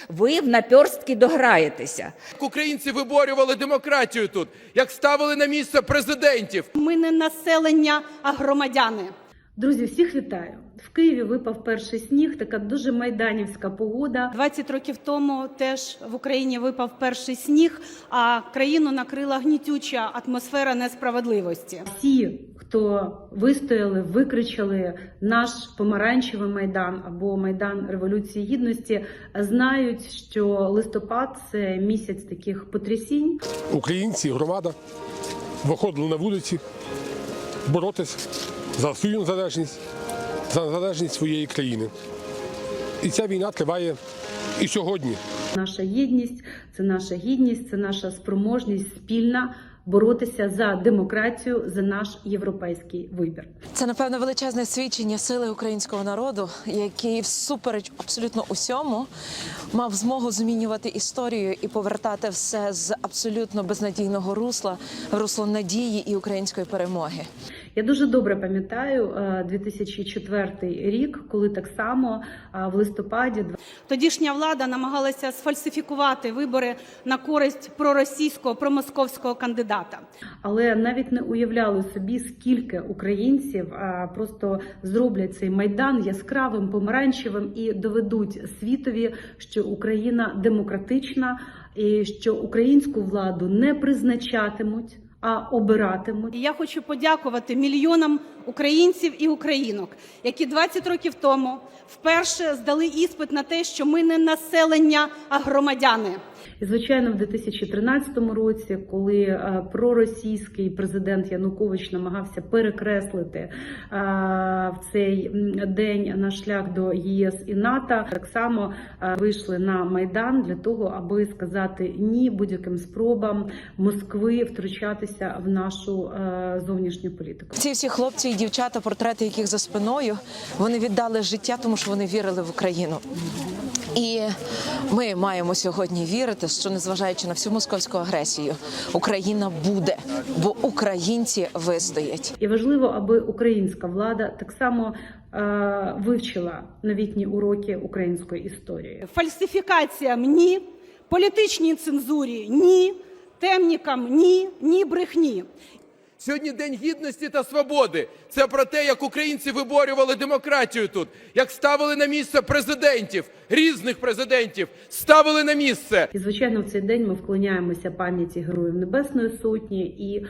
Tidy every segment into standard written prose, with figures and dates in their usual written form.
Ви в наперстки дограєтеся. Українці виборювали демократію тут, як ставили на місце президентів. Ми не населення, а громадяни. Друзі, всіх вітаю! В Києві випав перший сніг, така дуже майданівська погода. 20 років тому теж в Україні випав перший сніг, а країну накрила гнітюча атмосфера несправедливості. Всі, хто вистояли, викричали наш помаранчевий Майдан або Майдан Революції Гідності, знають, що листопад – це місяць таких потрясінь. Українці, громада виходили на вулиці боротися за свою незалежність, за незалежність своєї країни. І ця війна триває і сьогодні. Наша єдність – це наша гідність, це наша спроможність спільна боротися за демократію, за наш європейський вибір. Це, напевно, величезне свідчення сили українського народу, який всупереч абсолютно усьому мав змогу змінювати історію і повертати все з абсолютно безнадійного русла в русло надії і української перемоги. Я дуже добре пам'ятаю 2004 рік, коли так само в листопаді... Тодішня влада намагалася сфальсифікувати вибори на користь проросійського, промосковського кандидата. Але навіть не уявляли собі, скільки українців просто зроблять цей Майдан яскравим, помаранчевим і доведуть світові, що Україна демократична і що українську владу не призначатимуть, а обиратимуть. І я хочу подякувати мільйонам українців і українок, які 20 років тому вперше здали іспит на те, що ми не населення, а громадяни. І, звичайно, в 2013 році, коли проросійський президент Янукович намагався перекреслити в цей день наш шлях до ЄС і НАТО, так само вийшли на Майдан для того, аби сказати ні будь-яким спробам Москви втручатися в нашу зовнішню політику. Ці всі хлопці і дівчата, портрети яких за спиною, вони віддали життя, тому що вони вірили в Україну. І ми маємо сьогодні вірити, що, незважаючи на всю московську агресію, Україна буде, бо українці вистоять. І важливо, аби українська влада так само вивчила новітні уроки української історії. Фальсифікаціям – ні, політичній цензурі – ні, темнікам – ні, ні брехні. Сьогодні День Гідності та Свободи. Це про те, як українці виборювали демократію тут, як ставили на місце президентів, різних президентів, ставили на місце. І, звичайно, в цей день ми вклоняємося пам'яті Героїв Небесної Сотні і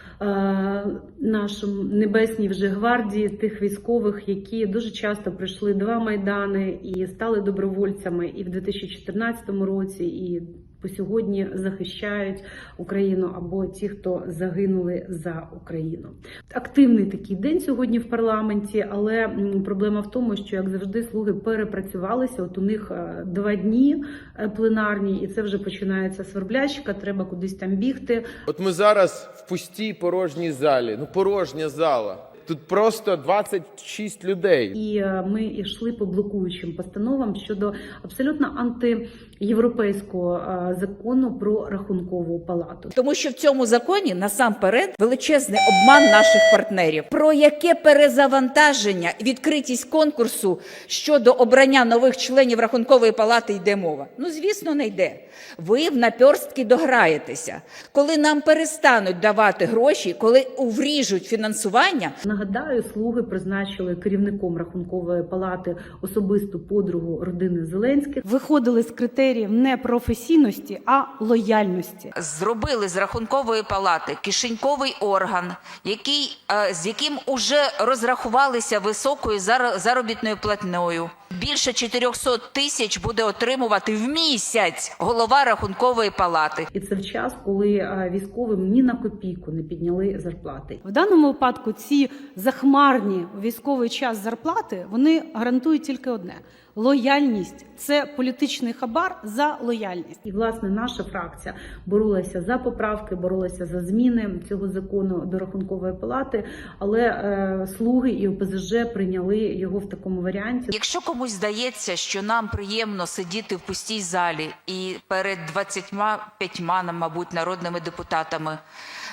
нашим небесній вже гвардії, тих військових, які дуже часто пройшли два Майдани і стали добровольцями і в 2014 році, і по сьогодні захищають Україну, або ті, хто загинули за Україну. Активний такий день сьогодні в парламенті, але проблема в тому, що, як завжди, слуги перепрацювалися. От у них 2 дні пленарні, і це вже починається сверблячка, треба кудись там бігти. От ми зараз в пустій порожній залі, порожня зала. Тут просто 26 людей. І ми йшли по блокуючим постановам щодо абсолютно антиєвропейського закону про Рахункову палату. Тому що в цьому законі насамперед величезний обман наших партнерів. Про яке перезавантаження, відкритість конкурсу щодо обрання нових членів Рахункової палати йде мова? Ну, звісно, не йде. Ви в наперстки дограєтеся. Коли нам перестануть давати гроші, коли вріжуть фінансування. Нагадаю, слуги призначили керівником Рахункової палати особисту подругу родини Зеленських. Виходили з критеріїв не професійності, а лояльності. Зробили з Рахункової палати кишеньковий орган, з яким уже розрахувалися високою заробітною платнею. Більше 400 тисяч буде отримувати в місяць голова Рахункової палати. І це в час, коли військовим ні на копійку не підняли зарплати. В даному випадку ці захмарні у військовий час зарплати, вони гарантують тільки одне – лояльність. Це політичний хабар за лояльність. І, власне, наша фракція боролася за поправки, боролася за зміни цього закону до Рахункової палати, але слуги і ОПЗЖ прийняли його в такому варіанті. Якщо комусь здається, що нам приємно сидіти в пустій залі і перед 25, мабуть, народними депутатами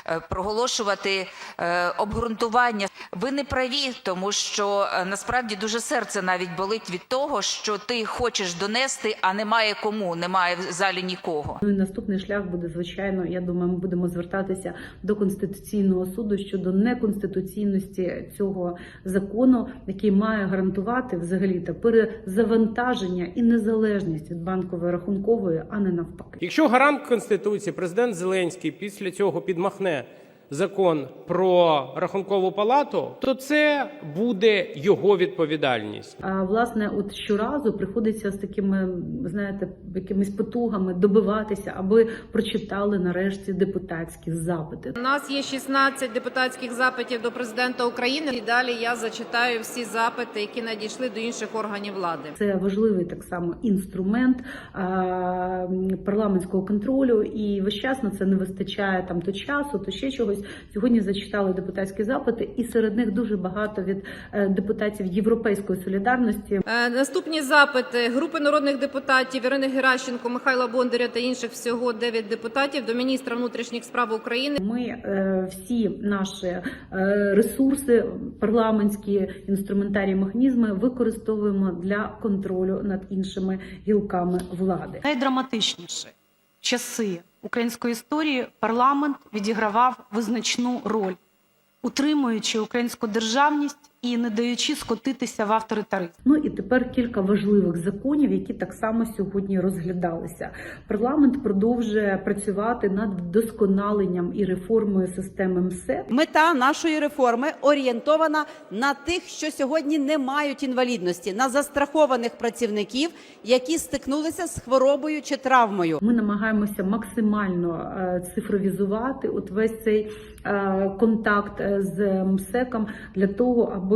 проголошувати обґрунтування. Ви не праві, тому що насправді дуже серце навіть болить від того, що ти хочеш донести, а немає кому, немає в залі нікого. Ну і наступний шлях буде, звичайно, я думаю, ми будемо звертатися до Конституційного суду щодо неконституційності цього закону, який має гарантувати взагалі-то перезавантаження і незалежність від банкової рахункової, а не навпаки. Якщо гарант Конституції, президент Зеленський, після цього підмахне закон про Рахункову палату, то це буде його відповідальність. А власне, от щоразу приходиться з такими, знаєте, якимись потугами добиватися, аби прочитали нарешті депутатські запити. У нас є 16 депутатських запитів до президента України. І далі я зачитаю всі запити, які надійшли до інших органів влади. Це важливий так само інструмент парламентського контролю, і весь час на це не вистачає там то часу, то ще чогось. Сьогодні зачитали депутатські запити, і серед них дуже багато від депутатів Європейської солідарності. Наступні запити групи народних депутатів Ірини Геращенко, Михайла Бондаря та інших, всього 9 депутатів, до міністра внутрішніх справ України. Ми всі наші ресурси, парламентські інструментарії, механізми використовуємо для контролю над іншими гілками влади. Найдраматичніші часи української історії парламент відігравав визначну роль, утримуючи українську державність і не даючи скотитися в авторитаризм. Ну і тепер кілька важливих законів, які так само сьогодні розглядалися. Парламент продовжує працювати над вдосконаленням і реформою системи МСЕК. Мета нашої реформи орієнтована на тих, що сьогодні не мають інвалідності, на застрахованих працівників, які стикнулися з хворобою чи травмою. Ми намагаємося максимально цифровізувати от весь цей контакт з МСЕКом для того, аби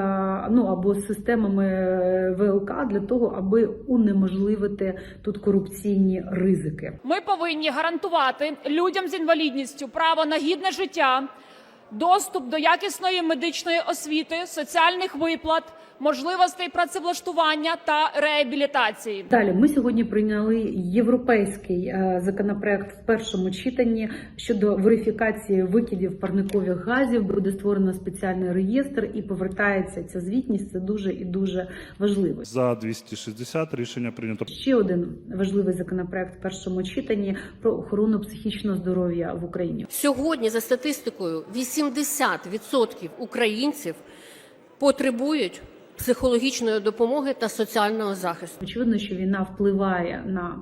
або з системами ВЛК, для того, аби унеможливити тут корупційні ризики. Ми повинні гарантувати людям з інвалідністю право на гідне життя, доступ до якісної медичної освіти, соціальних виплат, можливостей працевлаштування та реабілітації. Далі ми сьогодні прийняли європейський законопроект в першому читанні щодо верифікації викидів парникових газів. Буде створено спеціальний реєстр і повертається ця звітність. Це дуже і дуже важливо. За 260 рішення прийнято. Ще один важливий законопроект в першому читанні про охорону психічного здоров'я в Україні. Сьогодні, за статистикою, 80% українців потребують психологічної допомоги та соціального захисту. Очевидно, що війна впливає на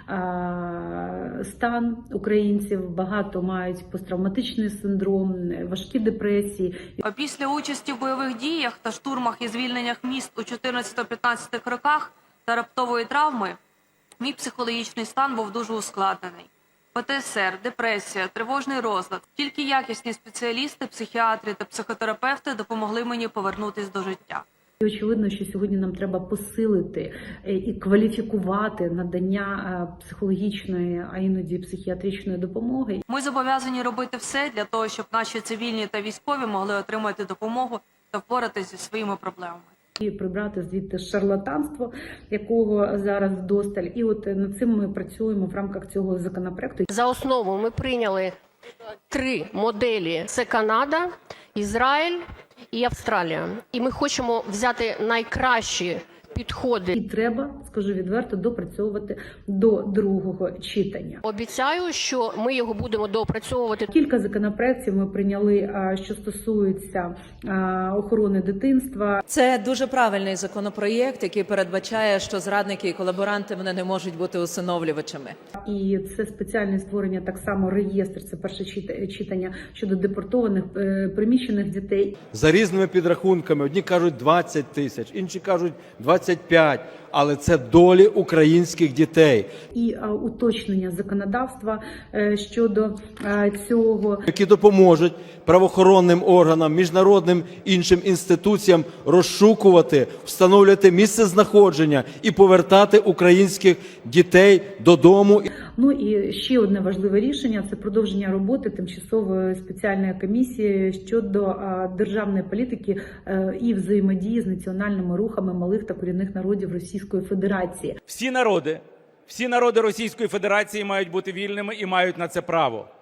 стан українців. Багато мають посттравматичний синдром, важкі депресії. Після участі в бойових діях та штурмах і звільненнях міст у 14-15 роках та раптової травми мій психологічний стан був дуже ускладнений. ПТСР, депресія, тривожний розлад. Тільки якісні спеціалісти, психіатри та психотерапевти допомогли мені повернутися до життя. І очевидно, що сьогодні нам треба посилити і кваліфікувати надання психологічної, а іноді психіатричної допомоги. Ми зобов'язані робити все для того, щоб наші цивільні та військові могли отримати допомогу та впоратися зі своїми проблемами. І прибрати звідти шарлатанство, якого зараз вдосталь. І от над цим ми працюємо в рамках цього законопроекту. За основу ми прийняли 3 моделі. Це Канада, Ізраїль і Австралія. І ми хочемо взяти найкращі підходи. І треба, скажу відверто, допрацьовувати до другого читання. Обіцяю, що ми його будемо доопрацьовувати. Кілька законопроєктів ми прийняли, що стосуються охорони дитинства. Це дуже правильний законопроєкт, який передбачає, що зрадники і колаборанти вони не можуть бути усиновлювачами. І це спеціальне створення, так само реєстр, це перше читання щодо депортованих приміщених дітей. За різними підрахунками, одні кажуть 20 тисяч, інші кажуть 25, але це долі українських дітей. І уточнення законодавства щодо цього. Які допоможуть правоохоронним органам, міжнародним іншим інституціям розшукувати, встановлювати місце знаходження і повертати українських дітей додому. Ну і ще одне важливе рішення – це продовження роботи тимчасової спеціальної комісії щодо державної політики і взаємодії з національними рухами малих та корінних народів Російської Федерації. Всі народи Російської Федерації мають бути вільними і мають на це право.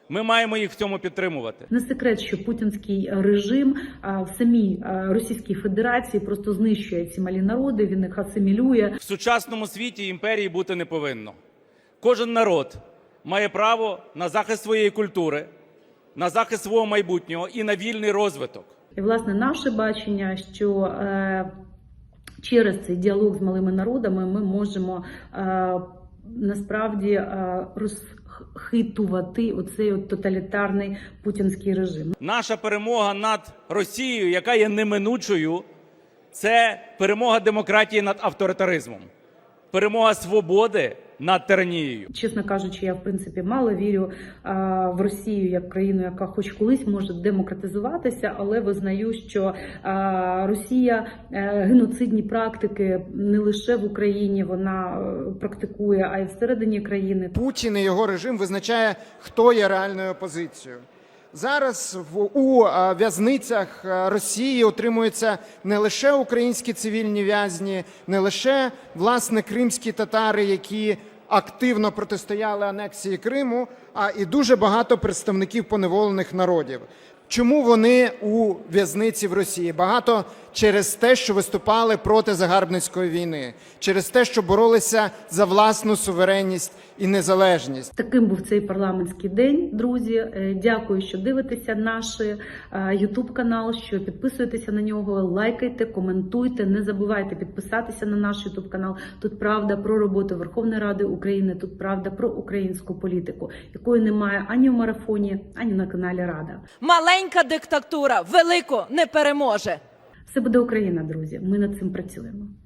Ми маємо їх в цьому підтримувати. Не секрет, що путінський режим в самій Російській Федерації просто знищує ці малі народи, він їх асимілює. В сучасному світі імперії бути не повинно. Кожен народ має право на захист своєї культури, на захист свого майбутнього і на вільний розвиток. І, власне, наше бачення, що через цей діалог з малими народами ми можемо насправді розхитувати оцей тоталітарний путінський режим. Наша перемога над Росією, яка є неминучою, це перемога демократії над авторитаризмом, перемога свободи над тиранією. Чесно кажучи, я в принципі мало вірю в Росію як країну, яка хоч колись може демократизуватися, але визнаю, що Росія геноцидні практики не лише в Україні вона практикує, а й всередині країни. Путін і його режим визначає, хто є реальною опозицією. Зараз у в'язницях Росії утримуються не лише українські цивільні в'язні, не лише, власне, кримські татари, які активно протистояли анексії Криму, а і дуже багато представників поневолених народів. Чому вони у в'язниці в Росії? Багато через те, що виступали проти загарбницької війни, через те, що боролися за власну суверенність і незалежність. Таким був цей парламентський день, друзі. Дякую, що дивитеся наш YouTube-канал, що підписуєтеся на нього, лайкайте, коментуйте, не забувайте підписатися на наш YouTube-канал. Тут правда про роботу Верховної Ради України, тут правда про українську політику, якої немає ані в марафоні, ані на каналі Рада. Маленька диктатура велику не переможе. Все буде Україна, друзі. Ми над цим працюємо.